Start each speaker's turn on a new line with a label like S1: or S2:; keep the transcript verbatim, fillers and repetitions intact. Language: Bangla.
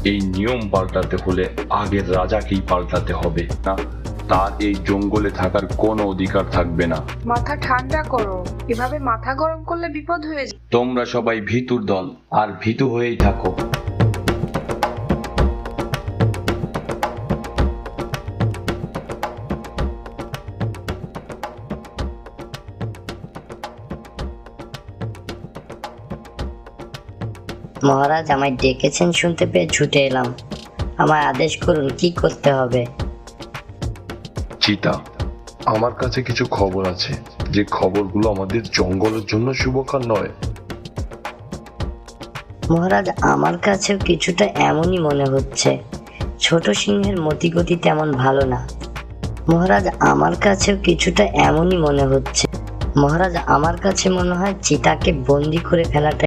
S1: এই নিয়ম পাল্টাতে হলে আগের রাজাকেই পাল্টাতে হবে, না তার এই জঙ্গলে থাকার কোনো অধিকার থাকবে না।
S2: মাথা ঠান্ডা করো, এভাবে মাথা গরম করলে বিপদ হয়ে যাবে।
S1: তোমরা সবাই ভীতুর দল, আর ভীতু হয়েই থাকো।
S3: মহারাজ আমায় ডেকেছেন শুনতে পেয়ে ছুটে এলাম। আমায় আদেশ করুন, কি করতে হবে?
S1: চিতা, আমার কাছে কিছু খবর আছে, যে খবরগুলো আমাদের জঙ্গলের জন্য শুভকর নয়।
S3: মহারাজ আমার কাছেও কিছুটা এমনই মনে হচ্ছে। ছোট সিংহের মতিগতি তেমন ভালো না। মহারাজ আমার কাছেও কিছুটা এমনই মনে হচ্ছে। মহারাজ আমার কাছে মনে হয় চিতাকে বন্দি করে ফেলাটা